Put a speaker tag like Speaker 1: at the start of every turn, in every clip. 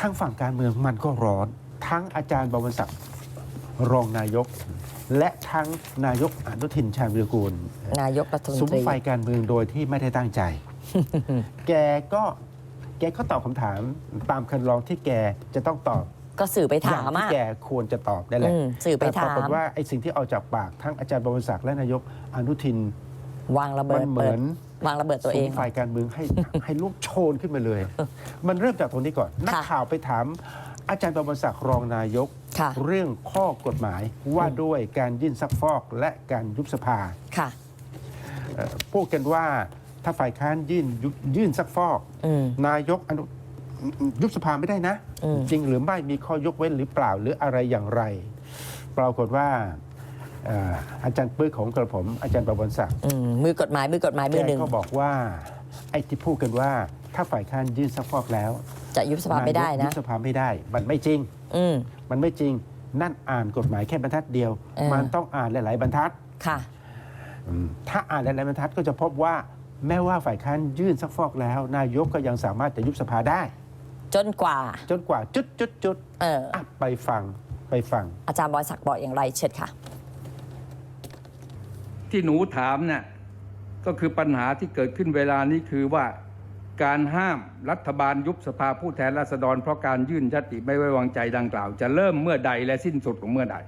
Speaker 1: ทั้งฝั่งการเมืองมันก็ร้อนทั้งอาจารย์บวรศักดิ์รองนายก และทั้งนายกอนุทินชาญวีรกูล
Speaker 2: นายกรัฐมนตรี
Speaker 1: สุมไฟการเมืองโดยที่ไม่ได้ตั้งใจ แกก็ตอบคำถามตามคันลองที่แกจะต้องตอบ
Speaker 2: ก็สื่อไปถาม
Speaker 1: ที่แกควรจะตอบได้แหละ
Speaker 2: สื่อไปถาม
Speaker 1: แต่ปรากฏว่าไอ้สิ่งที่เอาจากปากทั้งอาจารย์บวรศักดิ์และนายกอนุทิน
Speaker 2: วางระเบิ
Speaker 1: มั
Speaker 2: ด
Speaker 1: นเหมือน
Speaker 2: วางระเบิดตัวเอง
Speaker 1: ฝ่ายการเมืองให้ลุกโชนขึ้นมาเลย มันเริ่มจากตรงนี้ก่อน นักข่าวไปถามอาจารย์บวรศักดิ์รองนายก
Speaker 2: ค่ะ
Speaker 1: เรื่องข้อกฎหมายว่าด้วยการยื่นซักฟอกและการยุบสภา
Speaker 2: ค่ะ
Speaker 1: พูดกันว่าถ้าฝ่ายค้านยื่นซักฟอก นายกยุบสภาไม่ได้นะ จริงหรือไม่มีข้อยกเว้นหรือเปล่าหรืออะไรอย่างไร ปรากฏว่าอาจารย์ปื้อของกระผมอาจารย์ประวันศักดิ์
Speaker 2: มือกฎหมายมือหนึ่ง
Speaker 1: ก็บอกว่าไอ้ที่พูดกันว่าถ้าฝ่ายค้านยื่นซักฟอกแล้ว
Speaker 2: จะยุบสภาไม่ได้
Speaker 1: ยุ
Speaker 2: นะ
Speaker 1: บสภาไม่ได้มันไม่จริง มันไม่จริงนั่นอ่านกฎหมายแค่บรรทัดเดียว มันต้องอ่านหลายๆบรรทัด
Speaker 2: ค่ะ
Speaker 1: ถ้าอ่านหลายๆบรรทัดก็จะพบว่าแม้ว่าฝ่ายค้านยื่นซักฟอกแล้ว นายกก็ยังสามารถจะยุบสภาได้
Speaker 2: จนกว่า
Speaker 1: จุดไปฟัง
Speaker 2: อาจารย์บอยศักดิ์บอกอย่างไรเชิญค่ะ
Speaker 3: ที่หนูถามเนี่ยก็คือปัญหาที่เกิดขึ้นเวลานี้คือว่าการห้ามรัฐบาลยุบสภาผู้แทนราษฎรเพราะการยื่นยติไม่ไว้วางใจดังกล่าวจะเริ่มเมื่อใดและสิ้นสุดของเมื่อใด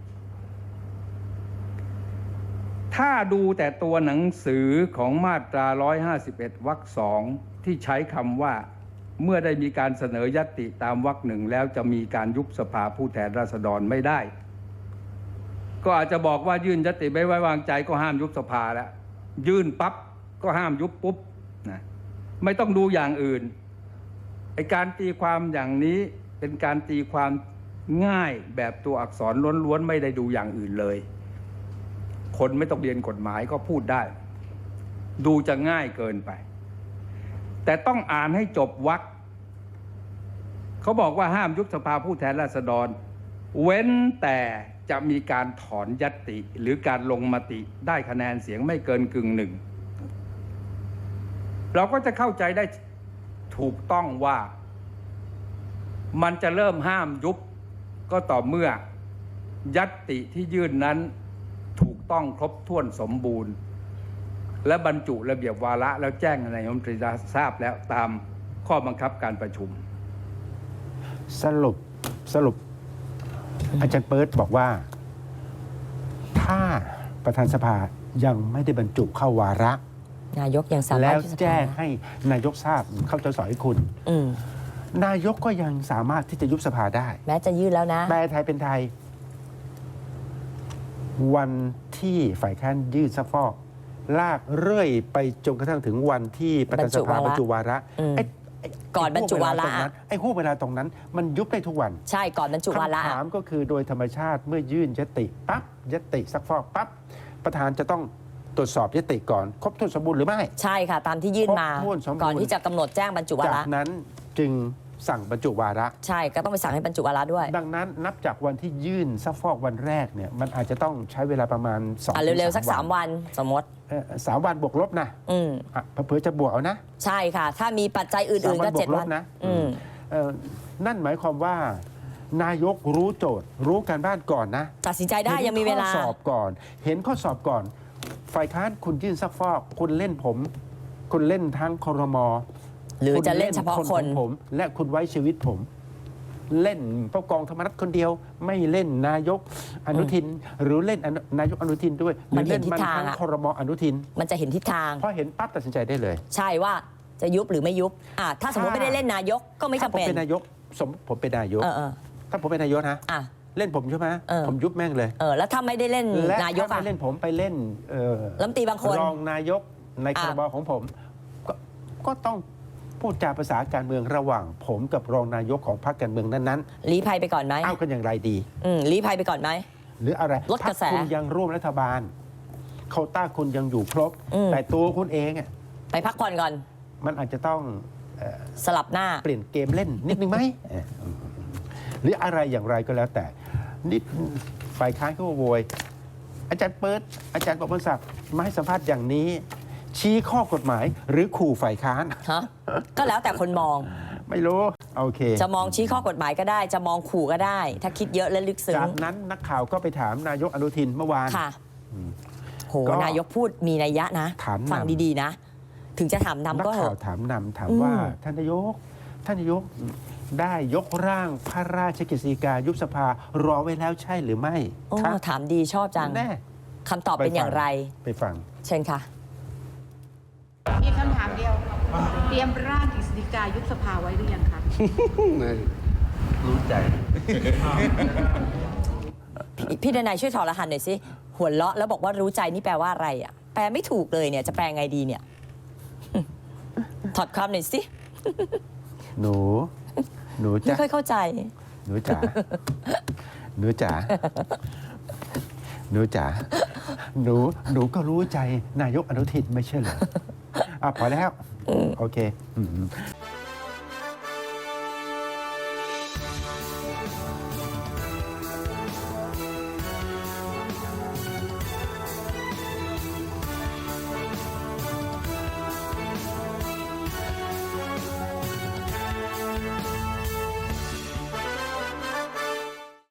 Speaker 3: ถ้าดูแต่ตัวหนังสือของมาตรา151วรรค2ที่ใช้คำว่าเมื่อได้มีการเสนอยติตามวรรคหนึ่งแล้วจะมีการยุบสภาผู้แทนราษฎรไม่ได้ก็อาจจะบอกว่ายื่นยติไม่ไว้วางใจก็ห้ามยุบสภาแล้วยื่นปั๊บก็ห้ามยุบปุ๊บนะไม่ต้องดูอย่างอื่นไอ้การตีความอย่างนี้เป็นการตีความง่ายแบบตัวอักษรล้วนๆไม่ได้ดูอย่างอื่นเลยคนไม่ต้องเรียนกฎหมายก็พูดได้ดูจะง่ายเกินไปแต่ต้องอ่านให้จบวรรคเขาบอกว่าห้ามยุบสภาผู้แทนราษฎรเว้นแต่จะมีการถอนญัตติหรือการลงมติได้คะแนนเสียงไม่เกินกึ่งหนึ่งเราก็จะเข้าใจได้ถูกต้องว่ามันจะเริ่มห้ามยุบก็ต่อเมื่อญัตติที่ยื่นนั้นถูกต้องครบถ้วนสมบูรณ์และบรรจุระเบียบวาระแล้วแจ้งให้นายกรัฐมนตรีทราบแล้วตามข้อบังคับการประชุม
Speaker 1: สรุปอาจารย์เปิร์ดบอกว่าถ้าประธานสภายังไม่ได้บรรจุเข้าวาระ
Speaker 2: นายกยังสามารถ
Speaker 1: แล้วแจ้งให้นายกทราบเขาจะสอนให้คุณนายกก็ยังสามารถที่จะยุบสภาได้
Speaker 2: แม้จะยื่นแล้วนะ
Speaker 1: แปลไทยเป็นไทยวันที่ฝ่ายค้านยื่นซักฟอกลากเรื่อยไปจนกระทั่งถึงวันที่ประธานสภาบรรจุวาระ
Speaker 2: ก่อนบรรจุวาระ
Speaker 1: ไอ้ห่วงเวลาตรงนั้นมันยุบได้ทุกวัน
Speaker 2: ใช่ก่อนบรรจุวาระ
Speaker 1: คำถามก็คือโดยธรรมชาติเมื่อยื่นยติปั๊บยติซักฟอกปั๊บประธานจะต้องตรวจสอบยติก่อนครบถ้วนสมบูรณ์หรือไม่
Speaker 2: ใช่ค่ะตามที่ยื่นมาก่อนที่จะกำหนดแจ้งบรรจุวาระ
Speaker 1: จากนั้นจึงสั่งบรรจุวาระ
Speaker 2: ใช่ก็ต้องไปสั่งให้บรรจุวาระด้วย
Speaker 1: ดังนั้นนับจากวันที่ยื่นซักฟอกวันแรกเนี่ยมันอาจจะต้องใช้เวลาประมาณ2
Speaker 2: เร็วๆสัก3 วันสมมติ
Speaker 1: 3 วันบวกลบนะเผื่อจะบวกเอานะ
Speaker 2: ใช่ค่ะถ้ามีปัจจัยอื่นๆก็7 วัน
Speaker 1: นะนั่นหมายความว่านายกรู้โจทย์รู้การบ้านก่อนนะ
Speaker 2: ตัดสินใจได้ยังมีเวลา
Speaker 1: ข้อสอบก่อนเห็นข้อสอบก่อนฝ่ายค้านคุณยื่นซักฟอกคุณเล่นผมคุณเล่นทั้งครม.
Speaker 2: หรือจะเล่นเฉพาะคน
Speaker 1: ผมและคุณไว้ชีวิตผมเล่นผู้กองธรรมนัฐคนเดียวไม่เล่นนายกอนุทินหรือเล่นนายกอนุทินด้วยหรือเล่นมันทั้งครม.อนุทิน
Speaker 2: มันจะเห็นทิศทาง
Speaker 1: พอเห็นปั๊บตัดสินใจได้เลย
Speaker 2: ใช่ว่าจะยุบหรือไม่ยุบถ้าสมมติไม่ได้เล่นนายกก็ไม่จำเป็น
Speaker 1: ผมเป็นนายกผมเป็นนายกถ้าผมเป็นนายกนะเล่นผมใช่ไหมผมยุบแม่งเลย
Speaker 2: แล้วถ้าไม่ได้เล่นนายก
Speaker 1: ไม่เล่นผมไปเล่น
Speaker 2: รัฐมนตรีบางคน
Speaker 1: รองนายกในครม.ของผมก็ต้องพูดจาภาษาการเมืองระหว่างผมกับรองนายกของพรรคการเมืองนั้น
Speaker 2: ๆลี้ภัยไปก่อนไหม
Speaker 1: เอากันอย่างไรดี
Speaker 2: ลี้ภัยไปก่อนไหม
Speaker 1: หรืออะไร
Speaker 2: ลดกระแส
Speaker 1: คุณยังร่วมรัฐบาลโควต้าคุณยังอยู่ครบแต่ตัวคุณเอง
Speaker 2: ไปพักผ่อนก่อน
Speaker 1: มันอาจจะต้อง
Speaker 2: สลับหน้า
Speaker 1: เปลี่ยนเกมเล่นนิดนึงไหมหรืออะไรอย่างไรก็แล้วแต่นิดฝ่ายค้านเขาโวยอาจารย์เปิดอาจารย์ประพันธ์ศักดิ์มาให้สัมภาษณ์อย่างนี้ชี้ข้อกฎหมายหรือขู่ฝ่ายค้าน
Speaker 2: ก็แล้วแต่คนมอง
Speaker 1: ไม่รู้โอเค
Speaker 2: จะมองชี้ข้อกฎหมายก็ได้ จะมองขู่ก็ได้ ถ้าคิดเยอะและลึกซึ้ง
Speaker 1: จากนั้นนักข่าวก็ไปถามนายกอนุทินเมื่อวาน
Speaker 2: ค่ะโห
Speaker 1: ก็
Speaker 2: นายกพูดมีนัยยะนะ
Speaker 1: ถามนำ
Speaker 2: ฟังดีๆนะ ถึงจะถาม
Speaker 1: นัก
Speaker 2: นำก็เถ
Speaker 1: ข่าว
Speaker 2: อะ
Speaker 1: ถามนำถามว่าท่านนายกได้ยกร่างพระราชกฤษฎีกายุบสภารอไว้แล้วใช่หรือไม่
Speaker 2: โอ้
Speaker 1: คะ
Speaker 2: ถามดีชอบจัง
Speaker 1: แน่
Speaker 2: คำตอบเป็นอย่างไร
Speaker 1: ไปฟัง
Speaker 2: เชิญค่ะ
Speaker 4: มีคำถามเดียว เตรียมร่างกฤษฎีกายุบสภาไว้หรือยังคะ
Speaker 1: รู้ใจ
Speaker 2: พี่ดนัยช่วยถอดรหัสหน่อยสิ หัวเราะแล้วบอกว่ารู้ใจนี่แปลว่าอะไรอ่ะ แปลไม่ถูกเลยเนี่ย จะแปลไงดีเนี่ย ถอดความหน่อยสิ
Speaker 1: หนู
Speaker 2: ไม่
Speaker 1: จ้ะ
Speaker 2: ค่อยเข้าใจ
Speaker 1: หนูจ๋าหนูจ๋าหนูจ๋าหนูก็รู้ใจนายกอนุทินไม่ใช่เหรอพอแล้วโอเค